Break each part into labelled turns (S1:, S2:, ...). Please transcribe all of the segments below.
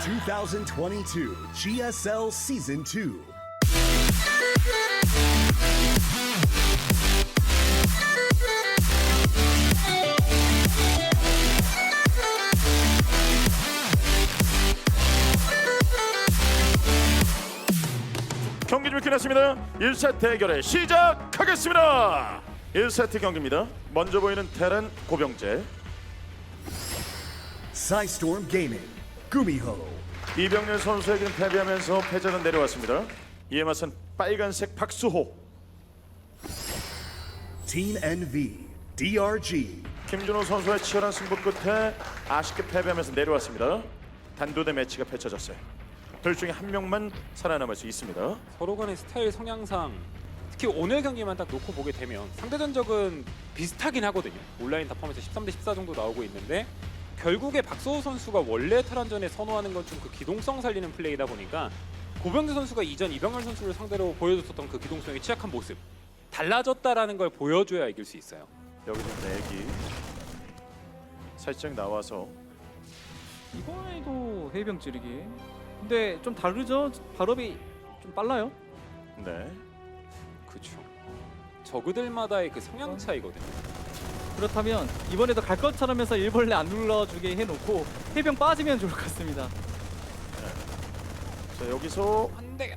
S1: 2022 GSL Season 2.
S2: 경기 좀 끝났습니다. 1세트 대결에 시작하겠습니다. 1세트 경기입니다. 먼저 보이는 테란 고병재,
S1: Psystorm Gaming, Gumiho.
S2: 이병렬 선수에게는 패배하면서 패자는 내려왔습니다. 이에 맞선 빨간색 박수호,
S1: Team NV, DRG.
S2: 김준호 선수의 치열한 승부 끝에 아쉽게 패배하면서 내려왔습니다. 단도대 매치가 펼쳐졌어요. 둘 중에 한 명만 살아남을 수 있습니다.
S3: 서로 간의 스타일 성향상 특히 오늘 경기만 딱 놓고 보게 되면 상대 전적은 비슷하긴 하거든요. 온라인 다 포함해서 13대 14 정도 나오고 있는데 결국에 박서호 선수가 원래 테란전에 선호하는 건 좀 그 기동성 살리는 플레이다 보니까 고병재 선수가 이전 이병렬 선수를 상대로 보여줬었던 그 기동성의 취약한 모습 달라졌다라는 걸 보여줘야 이길 수 있어요.
S2: 여기 좀 내기 살짝 나와서
S4: 이번에도 해병 찌르기. 근데 좀 다르죠? 발업이 좀 빨라요.
S2: 네.
S3: 그렇죠. 저그들마다의 그 성향 차이거든요.
S4: 그렇다면 이번에도 갈 것처럼 해서 일벌레 안 눌러주게 해놓고 해병 빠지면 좋을 것 같습니다.
S2: 자 여기서
S3: 한대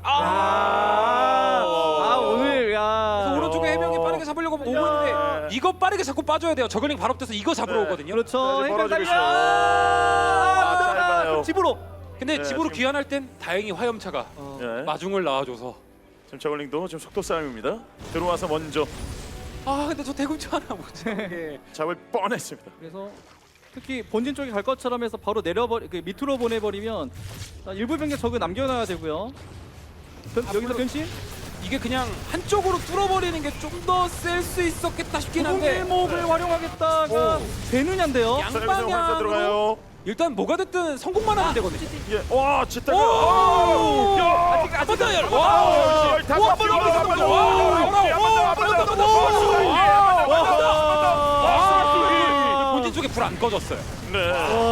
S4: 오늘 야.
S3: 오른쪽에 해병이 빠르게 잡으려고 오고 있는데 이거 빠르게 잡고 빠져야 돼요. 저글링 발업돼서 이거 잡으러
S2: 네.
S3: 오거든요.
S4: 그렇죠.
S2: 네,
S4: 해병
S2: 벌어지고
S4: 달려.
S2: 짧아요.
S4: 집으로.
S3: 근데
S2: 네,
S3: 집으로
S2: 지금-
S3: 귀환할 땐 다행히 화염차가
S2: 네.
S3: 마중을 낳아줘서
S2: 지금 저글링도 지금 속도 싸움입니다. 들어와서 먼저
S3: 근데 저 대군주 하나 못 잡게
S2: 잡을 뻔했습니다.
S4: 그래서 특히 본진 쪽에 갈 것처럼 해서 바로 그 밑으로 보내버리면 일부 병력 적을 남겨놔야 되고요. 여기서 변신?
S3: 이게 그냥 한쪽으로 뚫어버리는 게 좀 더 셀 수 있었겠다 싶긴 한데
S4: 일목을 활용하겠다가 되느냐인데요.
S2: 자 여기서 활사
S3: 양방향으로
S2: 들어가요.
S3: 일단 뭐가 됐든 성공만 하면 되거든요.
S2: 예. 와 진짜가.
S3: 오!
S2: 야.
S4: 아직
S3: 한번 더 열.
S2: 와.
S3: 와!
S2: 다
S3: 와!
S2: 잡히고,
S3: 한번 더,
S2: 한번 더.
S3: 와!
S2: 와.
S3: 본진 쪽에 불 안 꺼졌어요.
S2: 네.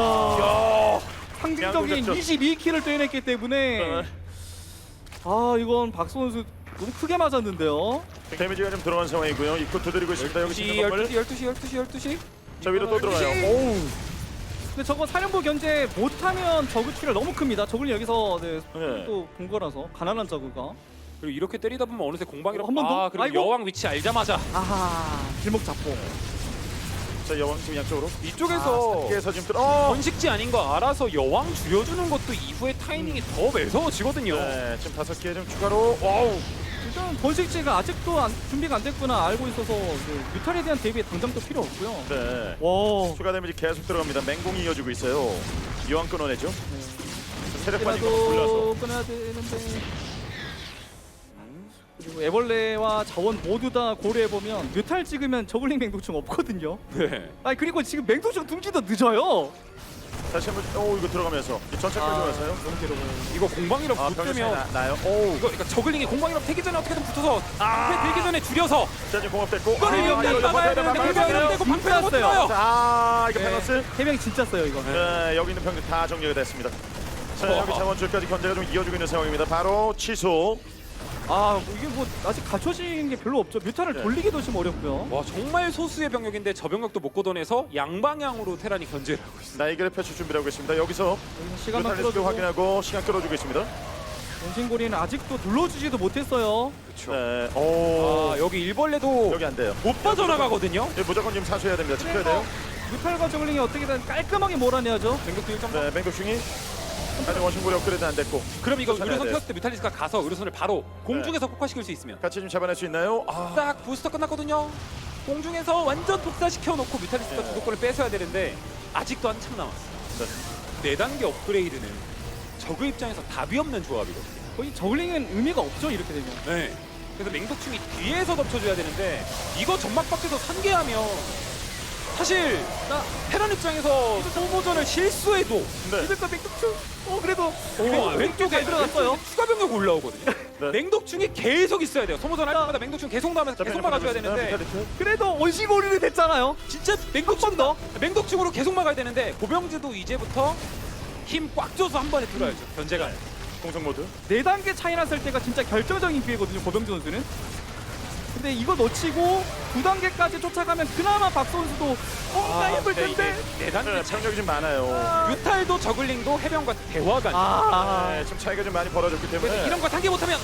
S4: 상징적인
S2: 양궁
S4: 22킬을 떼냈기 때문에
S2: 네.
S4: 이건 박수 선수 너무 크게 맞았는데요.
S2: 데미지가 좀 들어간 상황이고요. 입구 두드리고 있습니다. 여기
S3: 12시,
S2: 있는 건물.
S3: 12시.
S2: 자 위로 또 들어가요. 오.
S4: 근데 저거 사령부 견제 못하면 저그 출혈 너무 큽니다. 저글 여기서
S2: 네.
S4: 또 본 거라서 가난한 저그가.
S3: 그리고 이렇게 때리다 보면 어느새 공방이라고
S4: 한번 더?
S3: 그리고
S4: 아이고.
S3: 여왕 위치 알자마자
S4: 길목 잡고.
S2: 자 여왕 지금 양쪽으로.
S3: 이쪽에서
S2: 깨서 지금 들어.
S3: 번식지 아닌 거 알아서 여왕 줄여주는 것도 이후에 타이밍이 더 매서워지거든요.
S2: 네. 지금 5개 좀 추가로. 와우.
S4: 일단 번식지가 아직도 준비가 안 됐구나 알고 있어서 뮤탈에 대한 대비 당장 또 필요 없고요.
S2: 네.
S4: 와.
S2: 추가 데미지 계속 들어갑니다. 맹공이 이어지고 있어요. 여왕 끊어내죠. 세력 빠진 거 골라서.
S4: 그래도 끊어야 되는데. 그리고 애벌레와 자원 모두 다 고려해 보면 뮤탈 찍으면 저글링 맹독충 없거든요.
S3: 네.
S4: 아니 그리고 지금 맹독충 둥지도 늦어요.
S2: 다시 한번. 오 이거 들어가면서 전체까지 들어가서요.
S4: 너무 괴로워요.
S3: 이거 공방이랑
S2: 병력 차이
S3: 붙으면
S2: 나요. 오.
S3: 이거 그러니까 저글링이 공방이랑 되기 전에 어떻게든 붙어서 앞에 들기 전에 줄여서
S2: 자 지금 공업 됐고.
S3: 이거를 일단 막아야 되는데 공방이랑 되고 방패가 못
S4: 끊겼어요.
S3: 들어요.
S2: 자 이거
S4: 네.
S2: 페너스.
S4: 해병이 진짜 써요 이거.
S2: 네 여기 있는 병력 다 정리가 됐습니다. 자 여기 자원줄까지 견제가 좀 이어지고 있는 상황입니다. 바로 취소.
S4: 이게 뭐 아직 갖춰진 게 별로 없죠. 뮤탈을
S2: 네.
S4: 돌리기도 좀 어렵고요.
S3: 와 정말 소수의 병력인데 저 병력도 못 걷어내서 양방향으로 테란이 견제를 하고 있어요.
S2: 나이결의 펼칠 준비를 하고 있습니다. 여기서
S4: 여기서 시간만
S2: 뮤탈리스크
S4: 끌어주고
S2: 확인하고 시간 끌어주고 있습니다.
S4: 원신고리는 아직도 눌러주지도 못했어요.
S3: 그렇죠.
S2: 네. 오.
S3: 여기 일벌레도
S2: 여기 안 돼요.
S3: 못 빠져나가거든요.
S2: 예, 무조건 지금 사수해야 됩니다. 지켜야 돼요.
S4: 뮤탈과 저글링이 어떻게든 깔끔하게 몰아내야죠.
S3: 병력도 1점.
S2: 네, 맹독충이 아직 원심고리 업그레이드 안 됐고
S3: 그럼 이거
S2: 쫓아내야
S3: 의료선
S2: 돼요.
S3: 폈을 때 뮤탈리스가 가서 의료선을 바로 공중에서 폭파시킬 수 있으면
S2: 같이 좀 잡아낼 수 있나요? 아,
S3: 딱 부스터 끝났거든요. 공중에서 완전 독사시켜 놓고 뮤탈리스가
S2: 네.
S3: 주도권을 뺏어야 되는데 아직도 한참 남았어요.
S2: 네.
S3: 4단계 업그레이드는 저그 입장에서 답이 없는 조합이거든요.
S4: 거의 저글링은 의미가 없죠 이렇게 되면.
S3: 네. 그래서 맹독충이 뒤에서 덮쳐줘야 되는데 이거 점막 밖에서 산계하면 사실 테란 입장에서 소모전을 실수해도
S2: 네.
S4: 이들과 맹독충. 그래도
S3: 왼쪽에
S4: 잘 들어갔어요.
S3: 추가 병력 올라오거든요.
S2: 네.
S3: 맹독충이 계속 있어야 돼요. 소모전 할 때마다 맹독충 계속 나오면서 계속 막아줘야 되는데
S4: 그래도 원시고리는 됐잖아요.
S3: 진짜 맹독충 더 맹독충으로 계속 막아야 되는데 고병재도 이제부터 힘 꽉 줘서 한 번에 들어야죠. 견제가.
S2: 공성 모드.
S4: 4단계 차이 났을 때가 진짜 결정적인 기회거든요, 고병재 선수는. 근데 이거 놓치고 2단계까지 쫓아가면 그나마 박 선수도 뭔가 해볼 텐데.
S2: 네,
S3: 4단계
S2: 병력이 좀 많아요.
S3: 뮤탈도 저글링도 해병과 대화가
S4: 아,
S2: 네, 지금 차이가 좀 많이 벌어졌기 때문에.
S3: 그래서 이런 거 상기 못하면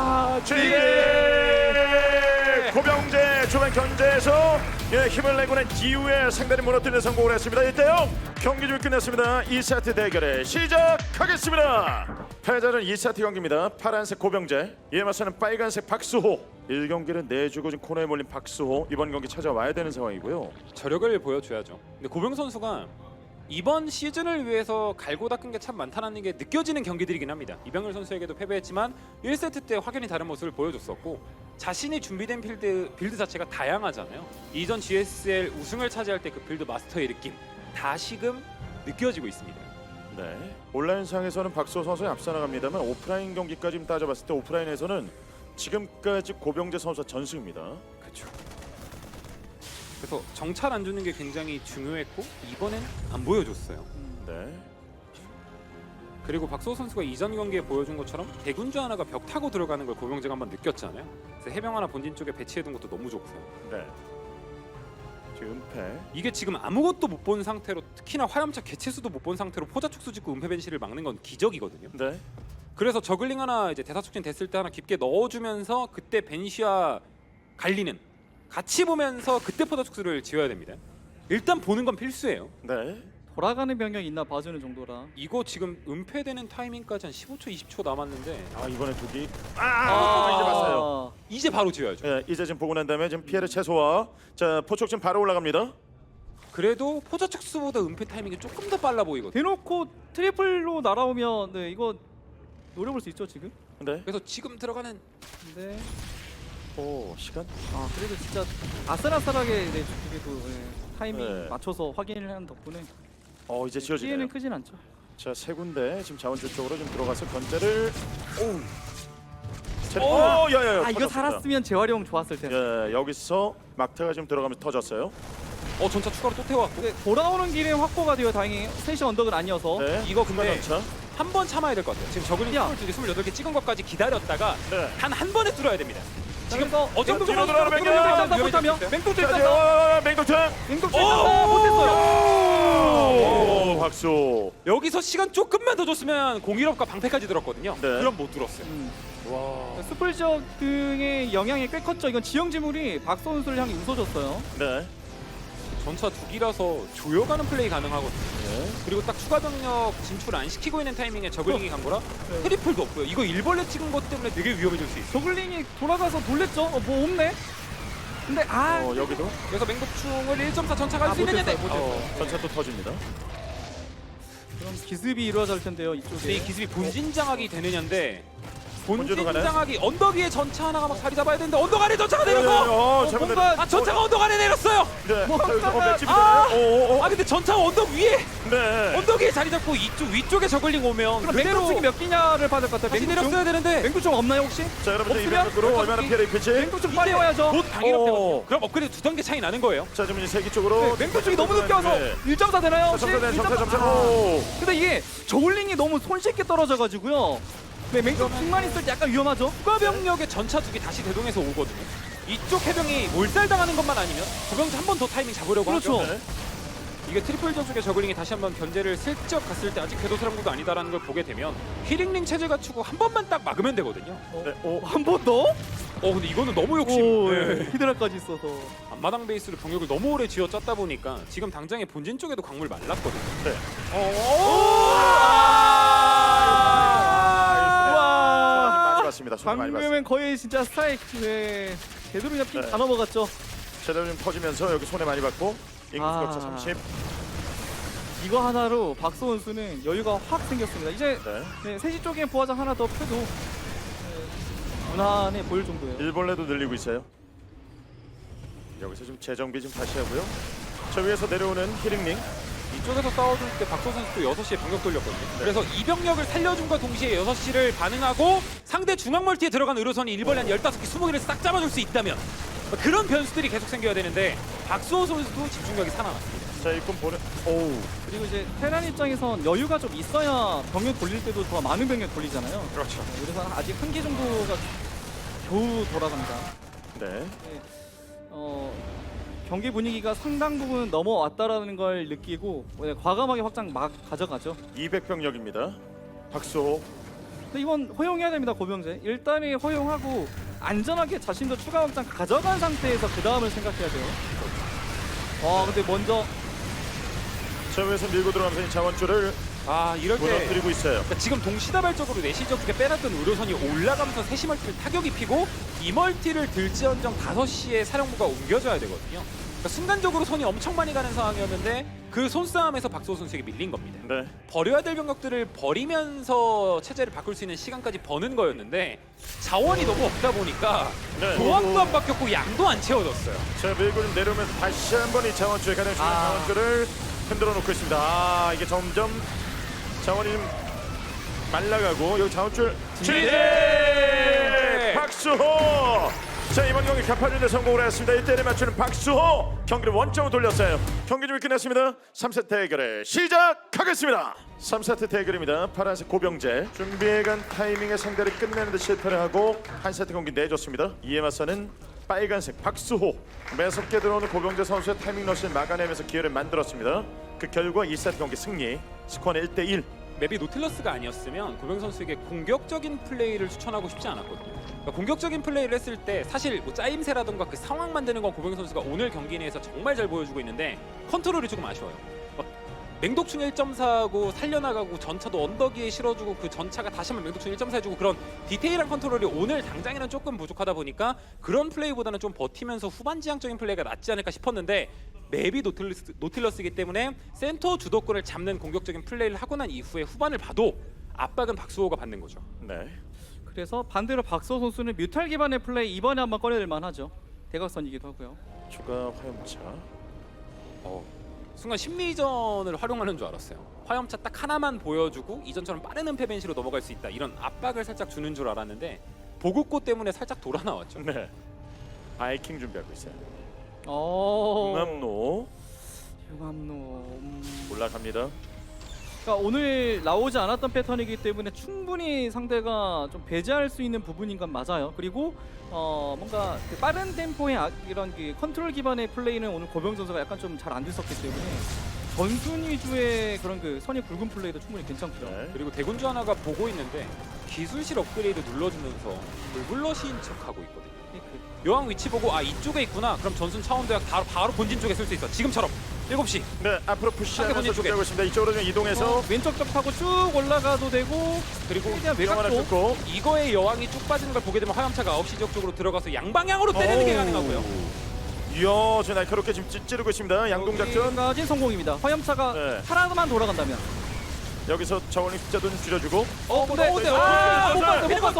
S2: 고병재 초반 견제에서 힘을 내고 난 이후에 상대를 무너뜨리는 성공을 했습니다. 1대0 경기 좀 끝났습니다. 2세트 대결을 시작하겠습니다. 패자는 2세트 경기입니다. 파란색 고병재, 이에 맞서는 빨간색 박수호. 1경기를 내주고 지금 코너에 몰린 박수호, 이번 경기 찾아와야 되는 상황이고요.
S3: 저력을 보여줘야죠. 근데 고병 선수가 이번 시즌을 위해서 갈고 닦은 게 참 많다는 게 느껴지는 경기들이긴 합니다. 이병렬 선수에게도 패배했지만 1세트 때 확연히 다른 모습을 보여줬었고 자신이 준비된 빌드 자체가 다양하잖아요. 이전 GSL 우승을 차지할 때 그 빌드 마스터의 느낌 다시금 느껴지고 있습니다.
S2: 네, 온라인상에서는 박수호 선수에 앞서 나갑니다만 오프라인 경기까지 따져봤을 때 오프라인에서는 지금까지 고병재 선수가 전승입니다.
S3: 그렇죠. 그래서 정찰 안 주는 게 굉장히 중요했고 이번엔 안 보여줬어요.
S2: 네.
S3: 그리고 박수호 선수가 이전 경기에 보여준 것처럼 대군주 하나가 벽 타고 들어가는 걸 고병재가 한번 느꼈잖아요. 그래서 해병 하나 본진 쪽에 배치해둔 것도 너무 좋고요.
S2: 네. 지금 은폐.
S3: 이게 지금 아무것도 못 본 상태로 특히나 화염차 개체수도 못 본 상태로 포자축수 짓고 은폐 벤시를 막는 건 기적이거든요.
S2: 네.
S3: 그래서 저글링 하나 이제 대사촉진 됐을 때 하나 깊게 넣어주면서 그때 벤시와 갈리는 같이 보면서 그때 포자축수를 지어야 됩니다. 일단 보는 건 필수예요.
S2: 네.
S4: 돌아가는 병력이 있나 봐주는 정도라.
S3: 이거 지금 은폐되는 타이밍까지 한 15초 20초 남았는데
S2: 아 이번에 두기. 이제
S4: 아,
S2: 봤어요.
S3: 이제 바로 지어야죠.
S2: 예, 이제 지금 보고 난 다음에 지금 피해를 최소화. 자 포촉 지금 바로 올라갑니다.
S3: 그래도 포자축수보다 은폐 타이밍이 조금 더 빨라 보이거든요.
S4: 대놓고 트리플로 날아오면 네, 이거 노려볼 수 있죠 지금.
S2: 네.
S3: 그래서 지금 들어가는
S4: 근데
S2: 오 시간.
S4: 아 그래도 진짜 아슬아슬하게 네, 그래도 타이밍
S2: 네.
S4: 맞춰서 확인을 하는 덕분에
S2: 이제 지어지네요.
S4: 피해는 크진 않죠.
S2: 자 세 군데 지금 자원줄 쪽으로 좀 들어가서 견제를. 오. 야야야.
S4: 아 이거 살았으면 재활용 좋았을 텐데.
S2: 예, 여기서 막타가 지금 들어가면서 터졌어요.
S3: 전차 추가로 또 태워왔고
S4: 근데 돌아오는 길에 확보가 되어 다행히 셋이 언덕은 아니어서.
S2: 네.
S3: 이거 근데
S2: 전차.
S3: 한 번 참아야 될 것 같아요. 지금 저글링
S4: 야.
S3: 22개, 28개 찍은 것까지 기다렸다가
S2: 네.
S3: 단 한 번에 뚫어야 됩니다. 지금
S4: 그래서
S3: 어정도
S2: 뒤로 들어가는 맹독!
S4: 못하면 맹독
S2: 자,
S4: 됐다.
S2: 맹독창.
S4: 맹독 됐다. 못했어요.
S2: 오, 박수.
S3: 여기서 시간 조금만 더 줬으면 공일업과 방패까지 들었거든요.
S2: 네.
S3: 그럼 못 들었어요.
S2: 와.
S4: 스플 지역 등의 영향이 꽤 컸죠. 이건 지형 지물이 박 선수를 향해 웃어줬어요.
S2: 네.
S3: 전차 두 기라서 조여가는 플레이 가능하거든요.
S2: 네.
S3: 그리고 딱 추가 병력 진출 안 시키고 있는 타이밍에 저글링이 간 거라
S4: 네.
S3: 트리플도 없고요. 이거 일벌레 찍은 것 때문에 되게 위험해질 수 있어요.
S4: 저글링이 돌아가서 놀랬죠. 뭐 없네. 근데
S2: 여기도
S3: 그래서 맹독충을 1.4 전차가 할 수 있느냐?
S4: 못했어요.
S2: 전차 또 터집니다.
S4: 그럼 기습이 이루어질 텐데요.
S3: 근데 이
S4: 이쪽에.
S3: 기습이 본진 장악이 되느냐인데 본진
S2: 본진으로 가나요?
S3: 장악이 언덕 위에 전차 하나가 막 자리 잡아야 되는데 언덕 아래 전차가 내려서
S2: 잘못
S4: 뭔가
S3: 전차가 언덕 아래 내렸어요.
S2: 네.
S4: 뭐
S2: 자, 여기서
S4: 하다가-
S2: 맷집이 되나요?
S3: 근데 전차가 언덕 위에
S2: 네.
S3: 언덕 위에 자리 잡고 이쪽 위쪽에 저글링 오면
S4: 그럼
S3: 그대로
S4: 맹독충이 몇 기냐를 받을 것 같아요.
S3: 다시 내렸어야 되는데
S4: 맹독충 없나요 혹시?
S2: 자, 여러분들
S4: 없으면
S2: 이변으로 얼마나 피해를 입힐지.
S4: 맹독충 빨리 와야죠.
S3: 곧 방위력
S2: 오.
S3: 되거든요. 그럼 업그레이드 두 단계 차이 나는 거예요.
S2: 자, 지금 이제 세기 쪽으로.
S4: 맹독충이 너무 늦게 와서
S2: 네.
S4: 1.4 되나요? 혹시?
S2: 점차,
S4: 1.4.
S2: 오.
S4: 근데 이게 저울링이 너무 손쉽게 떨어져가지고요. 네, 맹독충만 있을 때 약간 위험하죠.
S3: 추가 병력의 전차 두 개 다시 대동해서 오거든요. 이쪽 해병이 몰살당하는 것만 아니면 조병자 한 번 더 타이밍 잡으려고
S4: 그렇죠.
S3: 하죠.
S2: 네.
S3: 이게 트리플 저쪽의 저글링이 다시 한번 견제를 슬쩍 갔을 때 아직 궤도사령부가 아니다라는 걸 보게 되면 힐링링 체제 갖추고 한 번만 딱 막으면 되거든요.
S2: 네. 오.
S4: 한 번 더?
S3: 근데 이거는 너무 욕심.
S4: 오,
S3: 네.
S4: 히드라까지 있어서.
S3: 앞마당 베이스로 병력을 너무 오래 쥐어 짰다 보니까 지금 당장에 본진 쪽에도 광물 말랐거든요.
S2: 네.
S4: 와.
S2: 많이 봤습니다. 손이 많이 봤습니다.
S4: 방금은 거의 진짜 스트라이크. 네. 제대로 그냥 핀
S2: 네.
S4: 다 넘어갔죠.
S2: 제대로 좀 터지면서 여기 손에 많이 받고 인구
S4: 아.
S2: 격차 30.
S4: 이거 하나로 박수 선수는 여유가 확 생겼습니다. 이제
S2: 네.
S4: 네, 3시 쪽에 부하장 하나 더 펴도 네, 무난해 보일 정도예요.
S2: 일벌레도 늘리고 있어요. 여기서 좀 재정비 좀 다시 하고요. 저 위에서 내려오는 히링링.
S3: 이쪽에서 싸워줄 때 박소 선수도 6시에 병력 돌렸거든요. 그래서 이 병력을 살려준과 동시에 6시를 반응하고 상대 중앙 멀티에 들어간 의료선이 일벌레 한 15개, 20개를 싹 잡아줄 수 있다면 그런 변수들이 계속 생겨야 되는데 박수호 선수도 집중력이 살아났습니다.
S2: 자, 이건 보내. 오우.
S4: 그리고 이제 테란 입장에선 여유가 좀 있어야 병력 돌릴 때도 더 많은 병력 돌리잖아요.
S2: 그렇죠.
S4: 그래서 아직 한 개 정도가 겨우 돌아갑니다.
S2: 네.
S4: 네, 경기 분위기가 상당 부분 넘어왔다라는 걸 느끼고 과감하게 확장 막 가져가죠.
S2: 200병력입니다. 박수호.
S4: 근데 이건 허용해야 됩니다, 고병재. 일단은 허용하고 안전하게 자신도 추가 확장 가져간 상태에서 그 다음을 생각해야 돼요. 근데 먼저
S2: 저 위에서 밀고 들어가면서 이 자원줄을
S3: 이럴 때
S2: 무너뜨리고 있어요.
S3: 그러니까 지금 동시다발적으로 내시적 쪽에 빼놨던 의료선이 올라가면서 3시 멀티를 타격이 피고 이 멀티를 들지언정 5시에 사령부가 옮겨져야 되거든요. 그러니까 순간적으로 손이 엄청 많이 가는 상황이었는데 그 손싸움에서 박수호 선수에게 밀린 겁니다.
S2: 네.
S3: 버려야 될 병력들을 버리면서 체제를 바꿀 수 있는 시간까지 버는 거였는데 자원이 너무 없다 보니까
S2: 네.
S3: 조합도 안 바뀌었고 양도 안 채워졌어요.
S2: 자, 밀고 좀 내려오면서 다시 한번 이 자원줄에 가장 중요한 자원줄을 흔들어 놓고 있습니다. 이게 점점 자원이 좀 말라가고 여기 자원줄 지지! 박수호! 자, 이번 경기 갚아주는 데 성공을 했습니다. 1대1에 맞추는 박수호! 경기를 원점으로 돌렸어요. 경기 준비 끝났습니다. 3세트 대결을 시작하겠습니다. 3세트 대결입니다. 파란색 고병재 준비해간 타이밍에 상대를 끝내는 데 실패를 하고 한 세트 경기 내줬습니다. 이에 맞서는 빨간색 박수호. 매섭게 들어오는 고병재 선수의 타이밍 러시를 막아내면서 기회를 만들었습니다. 그 결과 2세트 경기 승리. 스코어는 1대1.
S3: 맵이 노틸러스가 아니었으면 고병 선수에게 공격적인 플레이를 추천하고 싶지 않았거든요. 그러니까 공격적인 플레이를 했을 때 사실 뭐 짜임새라던가 그 상황 만드는 건 고병 선수가 오늘 경기 내에서 정말 잘 보여주고 있는데 컨트롤이 조금 아쉬워요. 막 맹독충 1.4하고 살려나가고 전차도 언덕 위에 실어주고 그 전차가 다시 한번 맹독충 1.4 해주고 그런 디테일한 컨트롤이 오늘 당장에는 조금 부족하다 보니까 그런 플레이보다는 좀 버티면서 후반지향적인 플레이가 낫지 않을까 싶었는데 맵이 노틸러스이기 때문에 센터 주도권을 잡는 공격적인 플레이를 하고 난 이후에 후반을 봐도 압박은 박수호가 받는 거죠.
S2: 네.
S4: 그래서 반대로 박수호 선수는 뮤탈 기반의 플레이 이번에 한번 꺼내들 만하죠. 대각선이기도 하고요.
S2: 추가 화염차.
S3: 순간 심리전을 활용하는 줄 알았어요. 화염차 딱 하나만 보여주고 이전처럼 빠른 은폐벤시로 넘어갈 수 있다. 이런 압박을 살짝 주는 줄 알았는데 보급고 때문에 살짝 돌아 나왔죠.
S2: 네. 바이킹 준비하고 있어요.
S4: 융합로.
S2: 융합로 올라갑니다.
S4: 그러니까 오늘 나오지 않았던 패턴이기 때문에 충분히 상대가 좀 배제할 수 있는 부분인 건 맞아요. 그리고 뭔가 그 빠른 템포의 이런 그 컨트롤 기반의 플레이는 오늘 고병 선수가 약간 좀 잘 안 됐었기 때문에 전순 위주의 그런 그 선이 굵은 플레이도 충분히 괜찮고요.
S2: 네.
S3: 그리고 대군주 하나가 보고 있는데 기술실 업그레이드 눌러주면서 불블러시인 척하고 있거든요. 여왕 위치 보고 이쪽에 있구나. 그럼 전순 차원도약 바로 본진 쪽에 쓸 수 있어. 지금처럼 7시.
S2: 네, 앞으로 푸시하면서
S3: 본진 쪽에.
S2: 준비하고 있습니다. 이쪽으로 좀 이동해서
S4: 왼쪽 벽 타고 쭉 올라가도 되고
S3: 그리고
S4: 최대한
S2: 영 하나
S4: 외곽도
S2: 뜯고.
S3: 이거에 여왕이 쭉 빠지는 걸 보게 되면 화염차가 9시 지역 쪽으로 들어가서 양방향으로 때리는 게 가능하고요.
S2: 이야, 지금 날카롭게 지금 찌르고 있습니다. 양동 작전.
S4: 여기까지 성공입니다. 화염차가
S2: 네.
S4: 하나만 돌아간다면.
S2: 여기서 저울링 숫자도 좀 줄여주고.
S4: 근데
S3: 못
S4: 봤어.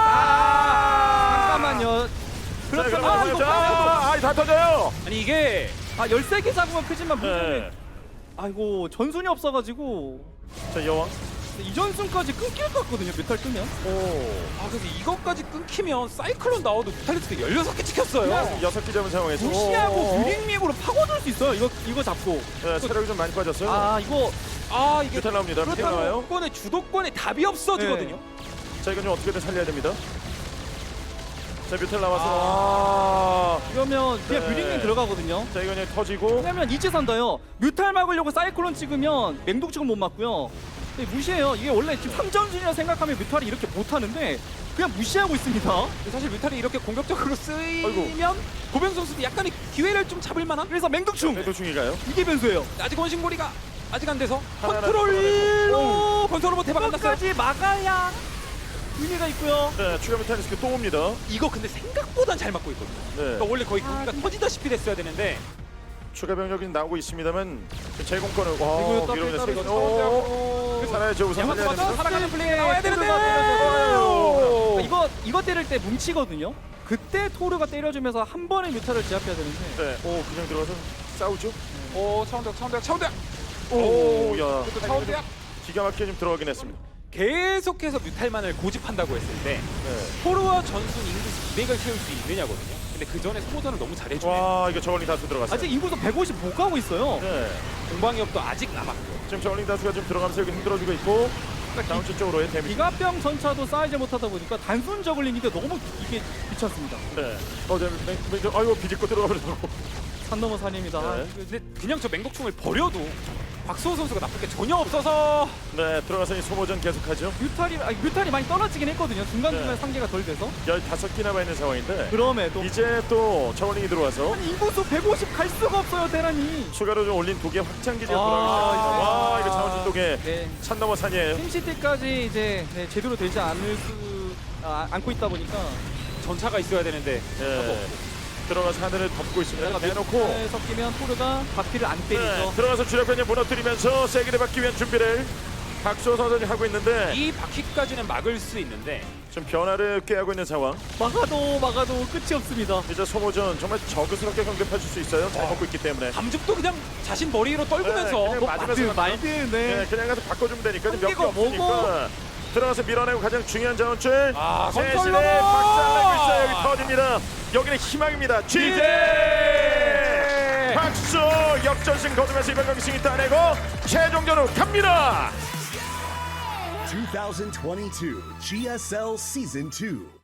S4: 잠깐만요. 그렇죠. 이거
S2: 다 터져요.
S3: 아니 이게
S4: 13개 잡으면 크지만 문제는
S2: 네.
S4: 아이고 전순이 없어가지고
S2: 자, 여왕.
S4: 이전순까지 끊길 것 같거든요. 뮤탈 끄면.
S3: 그래서 이것까지 끊기면 사이클론 나와도 무탈리스크 16개 찍혔어요.
S2: 6개 잡은 상황에서.
S4: 무시하고 그린믹으로 파고들 수 있어요. 이거 잡고.
S2: 네, 체력이 좀 많이 빠졌어요.
S3: 이게
S2: 뮤탈 나옵니다. 뮤탈 나와요.
S3: 주도권에 주도권에 답이 없어지거든요.
S2: 자, 이건 좀 어떻게든 살려야 됩니다. 자, 뮤탈 나와서.
S4: 이러면 그냥
S2: 네.
S4: 그린믹 들어가거든요.
S2: 자, 이건 그냥 터지고.
S4: 왜냐면 이제 산다요. 뮤탈 막으려고 사이클론 찍으면 맹독충은 못 맞고요. 근데 무시해요. 이게 원래 지금 3전순이라 생각하면 뮤탈이 이렇게 못하는데 그냥 무시하고 있습니다.
S3: 사실 뮤탈이 이렇게 공격적으로 쓰이면 고병 선수도 약간의 기회를 좀 잡을 만한.
S4: 그래서 맹독충
S2: 맹독충이가요.
S4: 이게 변수예요.
S3: 아직 원심고리가 아직 안 돼서
S2: 하나
S3: 컨트롤로 건설 로봇 대박 안 났어요.
S4: 끝까지 막아야 의미가 있고요.
S2: 네, 추가 뮤탈리스크 또 옵니다.
S3: 이거 근데 생각보단 잘 맞고 있거든요.
S2: 네.
S3: 그러니까 원래 거의 경기가 터지다시피 됐어야 되는데
S2: 추가 병력이 나오고 있습니다만 제공권을
S4: 이거 또
S2: 밀어내서
S4: 따로
S2: 이거 살아야죠. 우선 살려야 됩니다.
S3: 살아가는 플레이가 나와야 되는데
S4: 이거 때릴 때 뭉치거든요. 그때 토르가 때려주면서 한 번에 뮤타를 제압해야 되는데
S2: 네, 그냥 들어가서 싸우죠.
S3: 차원대학
S2: 오, 야,
S3: 차원대학
S2: 기가 막히게 좀 들어가긴 했습니다.
S3: 계속해서 뮤탈만을 고집한다고 했을 때 포로와 전순 인구수 200을 채울 수 있느냐거든요. 근데 그 전에 소모전을 너무 잘해주네.
S2: 와 이거 저울링 다수 들어갔어요.
S4: 아직 인구수 150 못 가고 있어요.
S2: 네.
S3: 공방위협도 아직 남았고.
S2: 지금 저울링 다수가 좀 들어가면서 여기 힘들어주고 있고 다운치 쪽으로의 데미지.
S4: 기갑병 전차도 쌓이지 못하다 보니까 단순 저글링인데 너무 이게 귀찮습니다.
S2: 네. 아이고 비집고 들어가 버렸고.
S4: 산 넘어 산입니다.
S2: 네.
S3: 근데 그냥 저 맹독충을 버려도 박수호 선수가 나쁠 게 전혀 없어서
S2: 네 들어가서 이 소모전 계속하죠.
S4: 뮤탈이 많이 떨어지긴 했거든요. 중간중간
S2: 네.
S4: 상계가 덜 돼서.
S2: 15기나 와 있는 상황인데
S4: 그럼에도
S2: 이제 또 저울링이 들어와서
S4: 아니, 인구수 150 갈 수가 없어요, 대란이.
S2: 추가로 좀 올린 독의 확장 기지가
S4: 아,
S2: 돌아오기 시작합니다. 와 이거 자원진 독의
S4: 네.
S2: 산 넘어 산이에요.
S4: 팀시티까지 이제 제대로 되지 않고 있다 보니까
S3: 전차가 있어야 되는데
S2: 네. 들어가서 하늘을 덮고 있습니다. 대놓고
S4: 뮤탈 섞이면 토르가 바퀴를 안 때리죠.
S2: 네, 들어가서 주력변이 무너뜨리면서 세기를 받기 위한 준비를 박수호 선수이 하고 있는데
S3: 이 바퀴까지는 막을 수 있는데
S2: 좀 변화를 꾀하고 있는 상황.
S4: 막아도 끝이 없습니다.
S2: 이제 소모전 정말 저그스럽게 경쟁하실 수 있어요. 잘 먹고 있기 때문에.
S3: 감죽도 그냥 자신 머리 위로 떨구면서
S2: 네, 그냥
S3: 뭐
S2: 맞으면서
S4: 말든
S2: 네, 그냥 가서 바꿔주면 되니까 몇 개
S4: 한계가
S2: 없으니까 들어가서 밀어내고 가장 중요한 자원줄
S3: 아,
S2: 세신의
S3: 건설로!
S2: 박살내고 있어요. 여기 터집니다. 여기는 희망입니다. GJ 박수 역전승 거두면서 이번 경기 승리 따내고 최종전으로 갑니다.
S1: 2022 GSL Season 2.